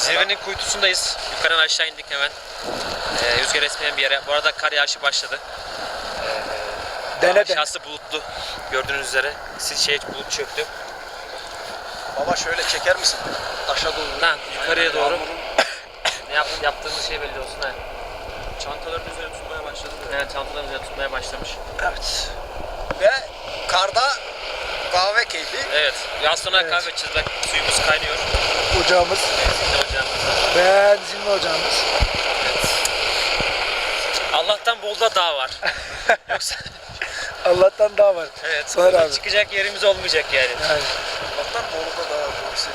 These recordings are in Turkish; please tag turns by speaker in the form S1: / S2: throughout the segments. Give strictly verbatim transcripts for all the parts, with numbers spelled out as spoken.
S1: Zirvenin kuytusundayız. Yukarıdan aşağı indik hemen. Ee, rüzgar esmeyen bir yere. Bu arada kar yağışı başladı. Ee,
S2: Dene
S1: aşağısı bulutlu. Gördüğünüz üzere. Siz şey bulut çöktü.
S3: Baba şöyle çeker misin? Aşağı doğru.
S1: Lan yukarıya doğru. Ne yap, yaptığımız şey belli olsun ha.
S3: Çantaların üzerine tutmaya başladı.
S1: Evet, çantaların üzerine tutmaya başlamış.
S3: Evet. Ve karda kahve keyfi.
S1: Evet. Biraz sonra
S2: Evet.
S1: kahve içeceğiz. Bak suyumuz kaynıyor.
S2: Ocağımız,
S1: Benzinli ocağımızda.
S2: benzinli ocağımız.
S1: Allah'tan Bolu'da dağ var. Yoksa
S2: Allah'tan daha var.
S1: evet,
S2: Soner
S1: buradan
S2: abi.
S1: çıkacak yerimiz olmayacak yani.
S2: Yani.
S3: Allah'tan Bolu'da daha doğrusu.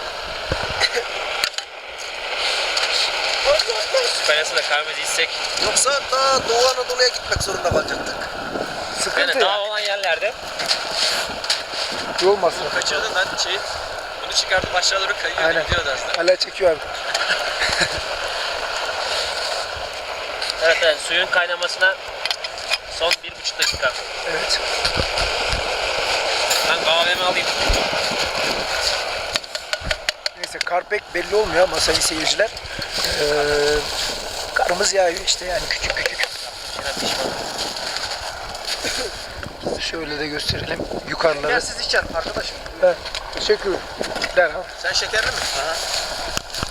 S1: Su kaynasında kahvemizi içsek.
S3: Yoksa daha Doğu Anadolu'ya gitmek zorunda kalacaktık.
S2: Sıkıntı
S1: Yani
S2: ya.
S1: dağ olan yerlerde.
S2: İyi olmasın.
S3: Kaçırdın lan şey. Bunu çıkartıp aşağı doğru kayıyor.
S2: Aynen.
S3: Gidiyor dersin.
S2: Hala çekiyor abi.
S1: Evet, evet, suyun kaynamasına son bir buçuk dakika.
S2: Evet.
S1: Ben kahvemi alayım.
S2: Neyse kar pek belli olmuyor ama sayın seyirciler. Ee, karımız yağıyor işte yani küçük küçük.
S1: Şuna pişman.
S2: Şöyle de gösterelim yukarıları.
S3: Şekersiz içer arkadaşım.
S2: Evet. Teşekkürler abi.
S3: Sen şekerli mi?
S1: Aha.